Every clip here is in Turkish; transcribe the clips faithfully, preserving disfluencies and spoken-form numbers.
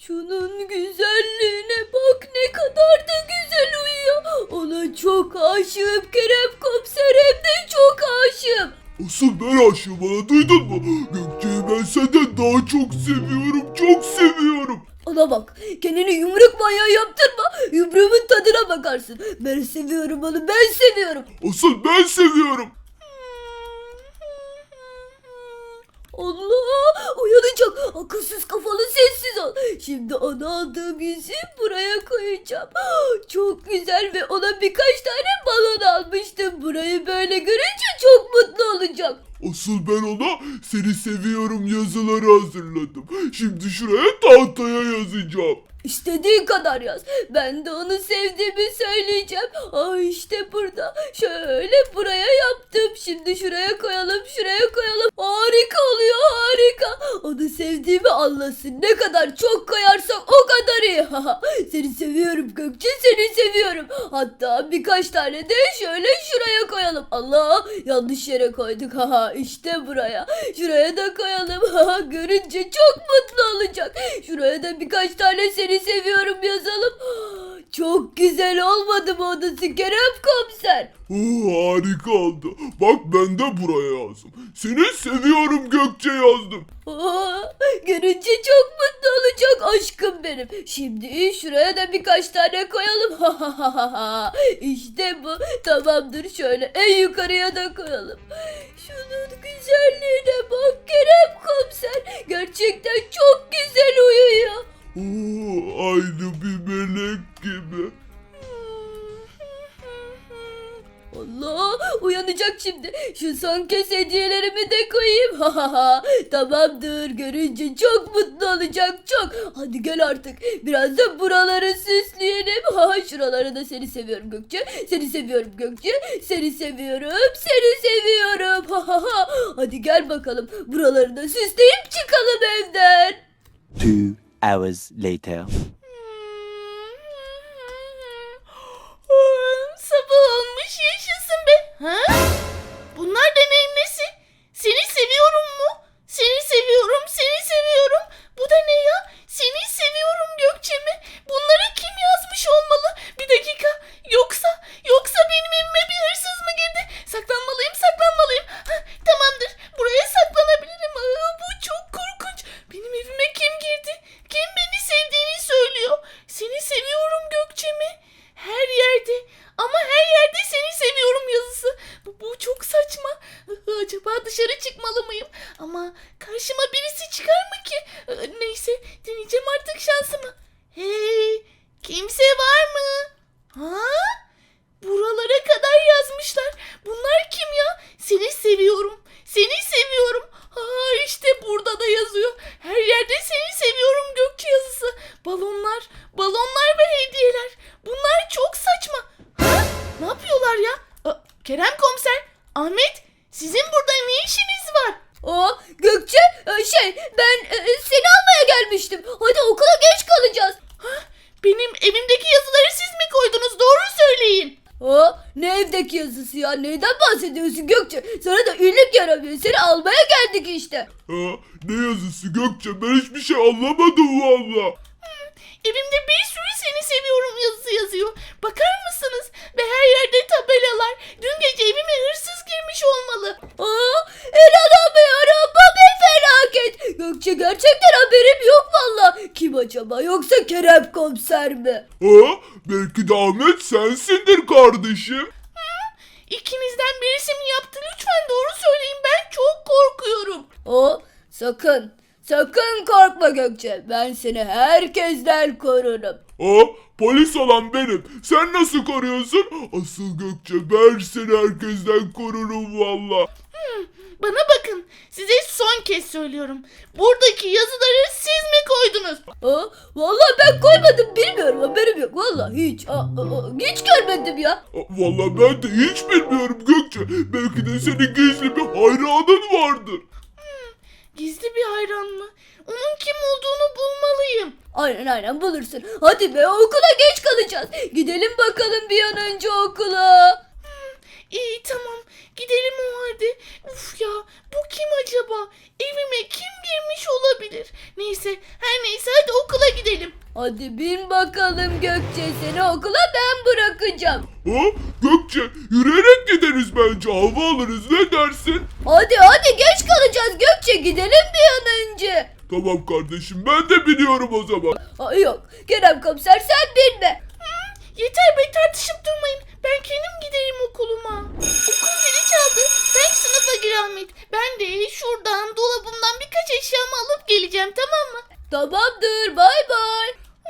Şunun güzelliğine bak, ne kadar da güzel uyuyor. Ona çok aşığım Kerem Komiser, hem de çok aşığım. Asıl ben aşığım, bana duydun mu? Gökçe'yi ben senden daha çok seviyorum, çok seviyorum. Ona bak, kendini yumruk manyağı yaptırma, yumruğumun tadına bakarsın. Ben seviyorum onu, ben seviyorum. Asıl ben seviyorum. Allah, uyanacak. Akılsız kafalı, sessiz ol. Şimdi ona aldığım yüzüğü buraya koyacağım. Çok güzel ve ona birkaç tane balon almıştım. Burayı böyle görünce çok mutlu olacak. Asıl ben ona seni seviyorum yazıları hazırladım. Şimdi şuraya tahtaya yazacağım. İstediğin kadar yaz. Ben de onu sevdiğimi söyleyeceğim. Aa, işte burada. Şöyle buraya yaptım. Şimdi şuraya koyalım, şuraya koyalım. Harika oluyor, harika. Onu sevdiğimi anlasın. Ne kadar çok koyarsak o kadar iyi. Seni seviyorum Gökçe, seni seviyorum. Hatta birkaç tane de şöyle şuraya koyalım. Allah, yanlış yere koyduk. Haha, işte buraya. Şuraya da koyalım. Haha, görünce çok mutlu olacak. Şuraya da birkaç tane seni seviyorum yazalım. Çok güzel olmadı mı odası Kerem Komiser? Oo, harika oldu. Bak ben de buraya yazdım. Seni seviyorum Gökçe yazdım. Aa, görünce çok mutlu olacak aşkım benim. Şimdi şuraya da birkaç tane koyalım. İşte bu. Tamamdır, şöyle en yukarıya da koyalım. Şunun güzelliğine bak Kerem Komiser. Gerçekten çok güzel uyuyor. Oo, aynı bir melek gibi. Allah, uyanacak şimdi. Şu son kez hediyelerimi de koyayım. Tamamdır, görünce çok mutlu olacak, çok. Hadi gel artık, biraz da buraları süsleyelim. Ha, şuraları da seni seviyorum Gökçe. Seni seviyorum Gökçe. Seni seviyorum. Seni seviyorum. Hadi gel bakalım, buraları da süsleyip çıkalım evden. Two hours later. Sabah olmuş, yaşasın be. Ha? Bunlar da neyin nesi? Seni seviyorum mu? Seni seviyorum, seni seviyorum. Bu da ne ya? Seni seviyorum Gökçe mi? Bunları kim yazmış olmalı? Bir dakika. Yoksa, yoksa benim evime bir hırsız mı girdi? Saklanmalıyım, saklanmalıyım. Ha, tamamdır. Buraya saklanabilirim. Aa, bu çok korkunç. Benim evime kim girdi? Kim beni sevdiğini söylüyor? Seni seviyorum Gökçe mi? Her yerde. Ama her yerde seni seviyorum yazısı. Bu, bu çok saçma. Acaba dışarı çıkmalı mıyım? Ama karşıma birisi çıkar mı ki? Neyse, deneyeceğim artık şansımı. Hey, kimse var mı? Ha? Buralara kadar yazmışlar. Bunlar kim ya? Seni seviyorum. Seni seviyorum. Ha, işte burada da yazıyor. Her yerde seni seviyorum Gökçe yazısı. Balonlar, balonlar ve hediyeler. Bunlar çok saçma. Ha? Ne yapıyorlar ya? Aa, Kerem Komiser, Ahmet, sizin burada ne işiniz var? Aa, Gökçe, şey, ben seni almaya gelmiştim. Hadi, okula geç kalacağız. Ha? Benim evimdeki yazıları siz mi koydunuz? Doğru söyleyin. Aa, ne evdeki yazısı ya? Neyden bahsediyorsun Gökçe? Sana da iyilik yaramıyor. Seni almaya geldik işte. Ha, ne yazısı Gökçe, ben hiçbir şey anlamadım valla. Evimde bir sürü seni seviyorum yazısı yazıyor. Bakar mısınız? Ve her yerde tabelalar. Dün gece evime hırsız girmiş olmalı. Aa, inanamıyorum. Bu bir felaket. Gökçe, gerçekten haberim yok valla. Kim acaba? Yoksa Kerem Komiser mi? Ha, belki de Ahmet sensindir kardeşim. İkinizden birisi mi yaptı? Lütfen doğru söyleyin. Ben çok korkuyorum. Aa, sakın. Sakın korkma Gökçe. Ben seni herkesten korurum. Ha, polis olan benim. Sen nasıl koruyorsun? Asıl Gökçe, ben seni herkesten korurum valla. Bana bakın. Size son kez söylüyorum. Buradaki yazıları siz mi koydunuz? Aa, vallahi ben koymadım, bilmiyorum, haberim yok. Vallahi hiç. Aa, aa, hiç görmedim ya. Ha, valla ben de hiç bilmiyorum Gökçe. Belki de senin gizli bir hayranın vardır. Gizli bir hayran mı? Onun kim olduğunu bulmalıyım. Aynen aynen bulursun. Hadi be, okula geç kalacağız. Gidelim bakalım bir an önce okula. İyi, tamam. Gidelim o halde. Uf ya, bu kim acaba? Evime kim girmiş olabilir? Neyse, her neyse, hadi okula gidelim. Hadi bin bakalım Gökçe, seni okula ben bırakacağım. Ha? Gökçe yürüyerek gideriz bence, hava alırız, ne dersin? Hadi hadi geç kalacağız Gökçe, gidelim bir an önce. Tamam kardeşim, ben de biliyorum o zaman. Ay yok Kerem komiser sen binme. Yeter be, tartışıp durmayın. Ben kendim giderim okuluma. Okul zili çaldı. Sen sınıfa gir Ahmet. Ben de şuradan dolabımdan birkaç eşyamı alıp geleceğim, tamam mı? Tamamdır, bay bay.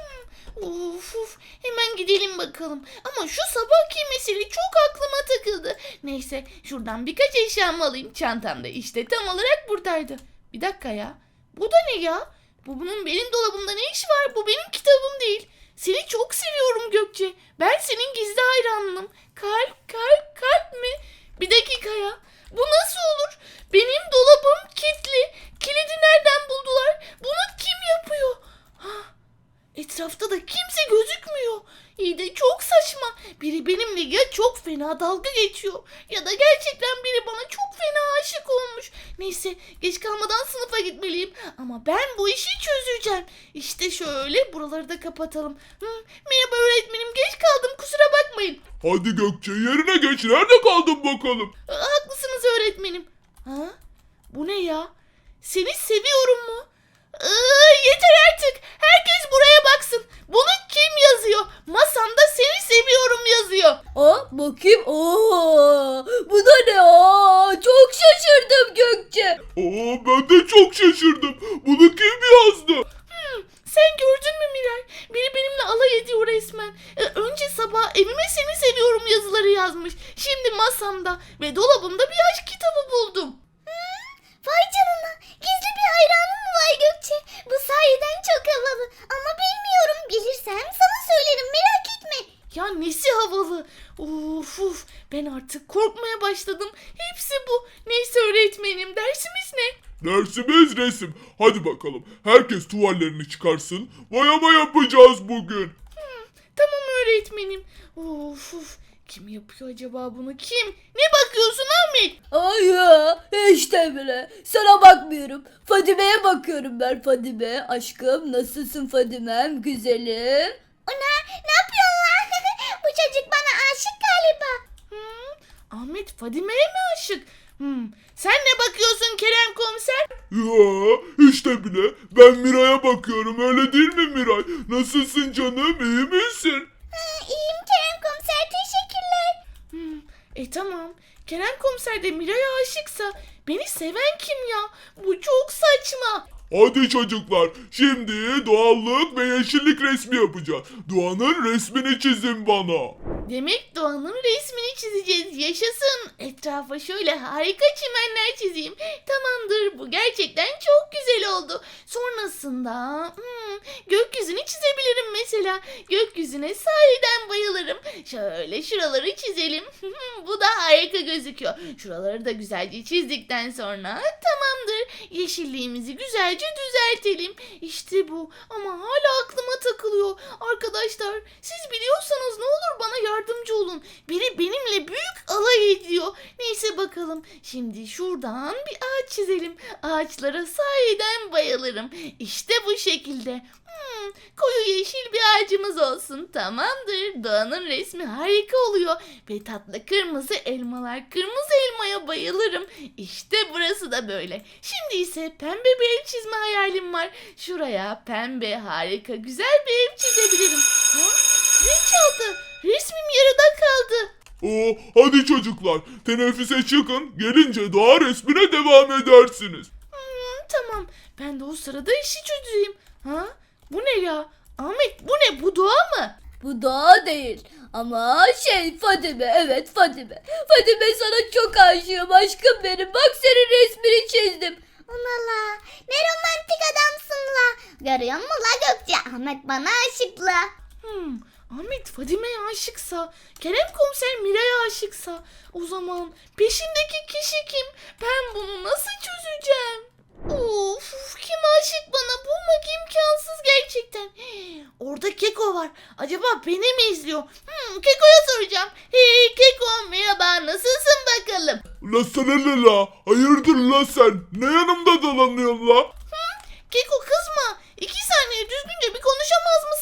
Uf uf, hemen gidelim bakalım. Ama şu sabahki mesele çok aklıma takıldı. Neyse, şuradan birkaç eşyamı alayım. Çantamda işte tam olarak buradaydı. Bir dakika ya. Bu da ne ya? Bu bunun benim dolabımda ne işi var? Bu benim kitabım değil. Seni çok seviyorum Gökçe. Ben senin gizli hayranınım. Kalp, kalp, kalp mi? Bir dakika ya. Bu nasıl olur? Benim dolabım kilitli. Kilidi nereden buldular? Bunu kim yapıyor? Hah, etrafta da kimse gözükmüyor. İyi de çok saçma. Biri benimle ya çok fena dalga geçiyor ya da gerçekten biri bana çok fena aşık olmuş. Neyse, geç kalmadan sınıfa gitmeliyim. Ama ben bu işi çözeceğim. İşte şöyle buraları da kapatalım. Hı, merhaba öğretmenim, geç kaldım, kusura bakmayın. Hadi Gökçe yerine geç, nerede kaldın bakalım? Aa, haklısınız öğretmenim. Ha? Bu ne ya? Seni seviyorum mu? Iı, yeter artık. Herkes buraya baksın. Bunu kim yazıyor? Masamda seni seviyorum yazıyor. Aa, bakayım. Oo, bu da ne? Aa, çok şaşırdım Gökçe. Aa, ben de çok şaşırdım. Bunu kim yazdı? Hmm, sen gördün mü Miray? Biri benimle alay ediyor resmen. Ee, önce sabah evime seni seviyorum yazıları yazmış. Şimdi masamda ve dolabımda bir aşk kitabı buldum. Vay canına, gizli bir hayranım mı var Gökçe? Bu sayeden çok havalı ama bilmiyorum, bilirsem sana söylerim, merak etme. Ya nesi havalı. Uf uf, ben artık korkmaya başladım. Hepsi bu. Neyse öğretmenim, dersimiz ne? Dersimiz resim. Hadi bakalım. Herkes tuvallerini çıkarsın. Boyama yapacağız bugün. Tamam öğretmenim. Uf uf, kim yapıyor acaba bunu, kim? Ne bakıyorsun Ahmet? Ay ya, işte bile. Sana bakmıyorum. Fadime'ye bakıyorum ben, Fadime. Aşkım nasılsın Fadime'm, güzelim? Ona ne yapıyorlar? Bu çocuk bana aşık galiba. Hmm, Ahmet Fadime'ye mi aşık? Hmm, sen ne bakıyorsun Kerem komiser? Ya işte bile. Ben Miray'a bakıyorum, öyle değil mi Miray? Nasılsın canım, iyi misin? Ha, iyiyim Kerem komiser, teşekkürler. Hmm, e tamam. Kerem komiser de Miray'a aşıksa beni seven kim ya? Bu çok saçma. Hadi çocuklar, şimdi doğallık ve yeşillik resmi yapacağız. Doğanın resmini çizin bana. Demek Doğan'ın resmini çizeceğiz. Yaşasın. Etrafa şöyle harika çimenler çizeyim. Tamamdır. Bu gerçekten çok güzel oldu. Sonrasında hmm, gökyüzünü çizebilirim mesela. Gökyüzüne sahiden bayılırım. Şöyle şuraları çizelim. Bu da harika gözüküyor. Şuraları da güzelce çizdikten sonra tamamdır. Yeşilliğimizi güzelce düzeltelim. İşte bu. Ama hala aklıma takılıyor. Arkadaşlar, siz biliyorsanız ne olur bana yardımcı olun. Biri benimle büyük alay ediyor. Neyse bakalım. Şimdi şuradan bir ağaç çizelim. Ağaçlara sahiden bayılırım. İşte bu şekilde. Hmm, koyu yeşil bir ağacımız olsun. Tamamdır. Doğanın resmi harika oluyor. Ve tatlı kırmızı elmalar. Kırmızı elmaya bayılırım. İşte burası da böyle. Şimdi ise pembe bir ev çizme hayalim var. Şuraya pembe harika güzel bir ev çizebilirim. Ha? Zil çaldı. Resmim yarıda kaldı. Oo, hadi çocuklar, teneffüse çıkın. Gelince doğa resmine devam edersiniz. Hmm, tamam. Ben de o sırada işi çözeyim. Ha? Bu ne ya? Ahmet, bu ne? Bu doğa mı? Bu daha değil. Ama şey Fadime, evet Fadime. Fadime sana çok aşığım aşkım benim. Bak senin resmini çizdim. Onala, ne romantik adamsın la. Görüyor musun la Gökçe? Ahmet bana aşık la. Hmm, Ahmet Fadime'ye aşıksa, Kerem komiser Miray'a aşıksa, o zaman peşindeki kişi kim? Ben bunu nasıl çözeceğim? Of, of, kim aşık bana? Bulmak imkansız gerçekten. Hii, orada Keko var. Acaba beni mi izliyor? Hmm, Keko'ya soracağım. Hey Keko, merhaba, nasılsın bakalım? La sana ne la? Hayırdır la sen? Ne yanımda dolanıyorsun la? Keko kızma. İki saniye düzgünce bir konuşamaz mısın?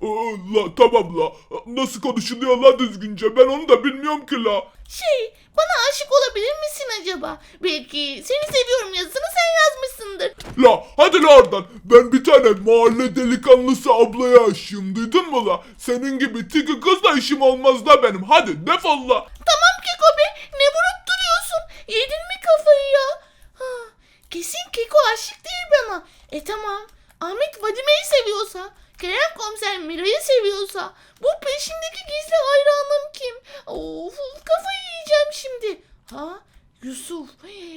Aa, la tamam la. Nasıl konuşuluyor la düzgünce? Ben onu da bilmiyorum ki la. Şey, bana aşık olabilir misin acaba? Belki seni seviyorum yazısını sen yazmışsındır. La hadi la oradan. Ben bir tane mahalle delikanlısı ablaya aşığım, duydun mu la? Senin gibi tiki kızla işim olmaz da benim. Hadi defol la. Tamam Keko be, ne vurup duruyorsun? Yedin mi kafayı ya? Ha, kesin Keko aşık değil bana. E tamam, Ahmet Vadime'yi seviyorsa, Kerem Komiser Mira'yı seviyorsa, bu peşindeki gizli hayranım kim? Of, kafayı yiyeceğim şimdi. Ha, Yusuf.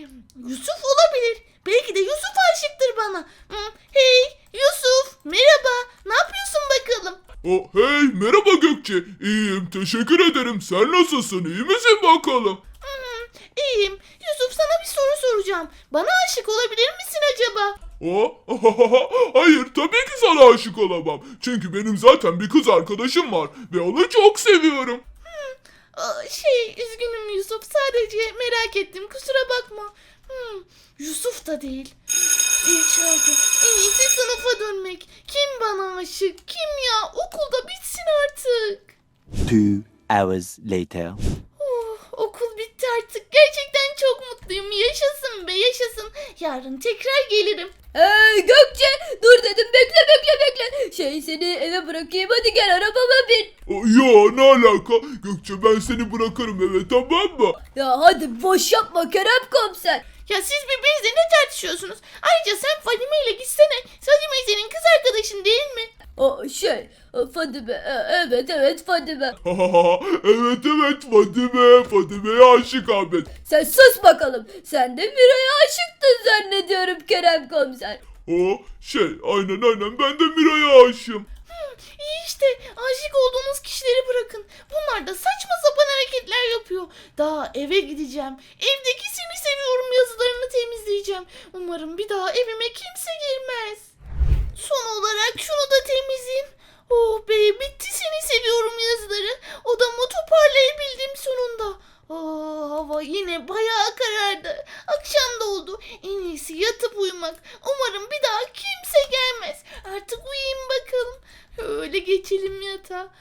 Yusuf olabilir. Belki de Yusuf aşıktır bana. Hı, hey Yusuf, merhaba. Ne yapıyorsun bakalım? Oh, hey merhaba Gökçe. İyiyim teşekkür ederim. Sen nasılsın? İyi misin bakalım? Hmm, iyiyim. Yusuf sana bir soru soracağım. Bana aşık olabilir misin acaba? Oh, hayır tabii ki sana aşık olamam. Çünkü benim zaten bir kız arkadaşım var ve onu çok seviyorum. Aa, şey üzgünüm Yusuf. Sadece merak ettim. Kusura bakma. Hmm, Yusuf da değil. Zil çaldı. En iyisi sınıfa dönmek. Kim bana aşık? Kim ya? Okulda bitsin artık. Two hours later. Oh, okul bitti artık. Gerçekten çok mutluyum. Yaşasın be yaşasın. Yarın tekrar gelirim. Hey Gökçe, dur dedim, bekle bekle bekle. Şey, seni eve bırakayım, hadi gel arabama bin. Oh, ya ne alaka? Gökçe ben seni bırakırım eve, tamam mı? Ya hadi boş yapma Kerem Komiser. Ya siz birbirinizle ne tartışıyorsunuz? Ayrıca sen Fadime ile gitsene. Fadime senin kız arkadaşın değil mi? O şey, Fadime, e, evet evet Fadime. evet evet Fadime. Fadime'ye aşık Ahmet. Sen sus bakalım. Sen de Miray'a aşıktın zannediyorum Kerem Komiser. O şey aynen aynen ben de Miray'a aşığım. İyi işte aşık olduğunuz kişileri bırakın. Bunlar da saçma sapan hareketler yapıyor. Daha eve gideceğim. Evdeki seni seviyorum yazılarını temizleyeceğim. Umarım bir daha evime kimse girmez. Son olarak şunu da temizleyeyim. Oh be bitti seni seviyorum yazıları. Odamı toparlayabildim sonunda. Oh, hava yine bayağı karardı. Akşam da oldu. En iyisi yatıp uyumak. Umarım bir daha kimse gelmez. Artık uyuyayım bakalım. Öyle geçelim yatağa.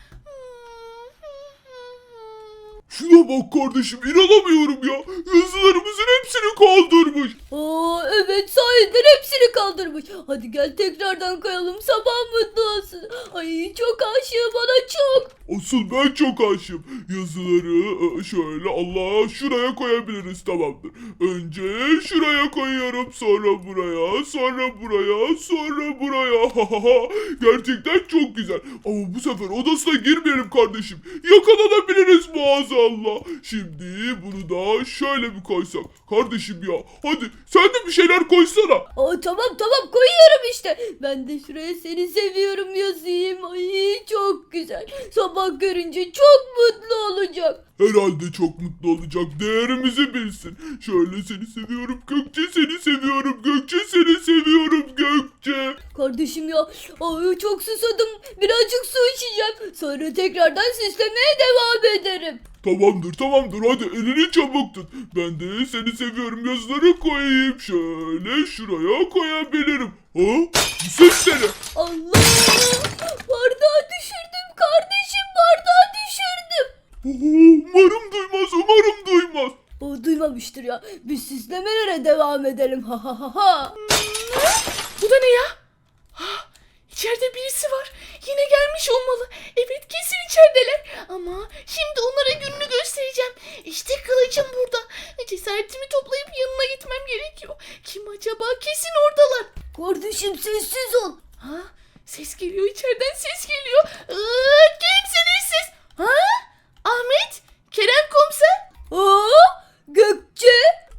Şuna bak kardeşim inanamıyorum ya. Yazılarımızın hepsini kaldırmış. Oo evet, sahiden hepsini kaldırmış. Hadi gel tekrardan koyalım, sabah mutlu olsun. Ay çok aşığım ona, çok. Asıl ben çok aşığım. Yazıları e, şöyle Allah şuraya koyabiliriz, tamamdır. Önce şuraya koyuyorum, sonra buraya, sonra buraya, sonra buraya. Gerçekten çok güzel. Ama bu sefer odasına girmeyelim kardeşim. Yakalanabiliriz maazallah. Şimdi bunu da şöyle bir koysak. Kardeşim ya hadi sen de bir şeyler koysana. Aa, tamam tamam koyuyorum işte. Ben de şuraya seni seviyorum yazayım. Ay çok güzel. Sabah görünce çok mutlu olacak. Herhalde çok mutlu olacak. Değerimizi bilsin. Şöyle seni seviyorum Gökçe, seni seviyorum Gökçe, seni seviyorum Gökçe. Kardeşim ya, ay çok susadım. Birazcık su içeceğim. Sonra tekrardan süslemeye devam ederim. Tamamdır tamamdır hadi elini çabuk tut. Ben de seni seviyorum yazıları koyayım. Şöyle şuraya koyabilirim. Ha? Bu ses ne? Allah! Bardağı düşürdüm kardeşim, bardağı düşürdüm. Umarım duymaz, umarım duymaz. O duymamıştır ya. Biz süslemelere devam edelim. Ha ha ha ha. Bu da ne ya? Ha, içeride birisi var. Yine gelmiş olmalı. Evet kesin içerideler. Ama şimdi onlara gününü göstereceğim. İşte kılıcım burada. Cesaretimi toplayıp yanına gitmem gerekiyor. Kim acaba? Kesin oradalar. Kardeşim sessiz ol. Ha, ses geliyor içeriden, ses geliyor. Iıı, kimsiniz siz? Ha? Ahmet? Kerem Komiser? Aa, Gökçe.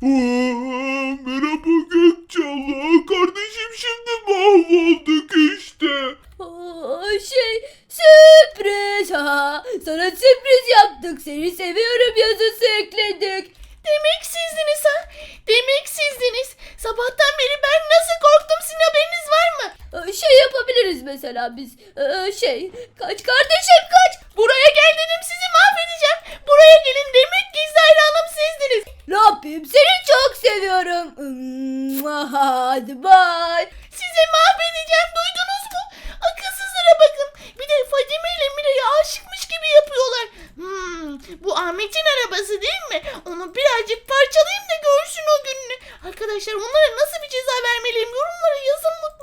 Aa, merhaba Gökçe, Allah kardeşim şimdi mahvolduk işte. Aa, şey sürpriz. Ha, sana sürpriz yaptık. Seni seviyorum yazısı ekledik. Demek sizdiniz ha? Demek sizdiniz. Sabahtan beri ben nasıl korktum, sizin haberiniz var mı? Aa, şey yapabiliriz mesela biz. Aa, şey kaç kardeşim kaç. Buraya gel dedim, sizi mahvedeceğim. Buraya gelin, demek gizli hayranım sizdiniz. Ne yapayım, seni çok seviyorum. Hadi bye. Sizi mahvedeceğim, duydunuz mu? Akılsızlara bakın. Bir de Fatih burası değil mi? Onu birazcık parçalayayım da görsün o gününü. Arkadaşlar onlara nasıl bir ceza vermeliyim? Yorumlara yazın mutlaka.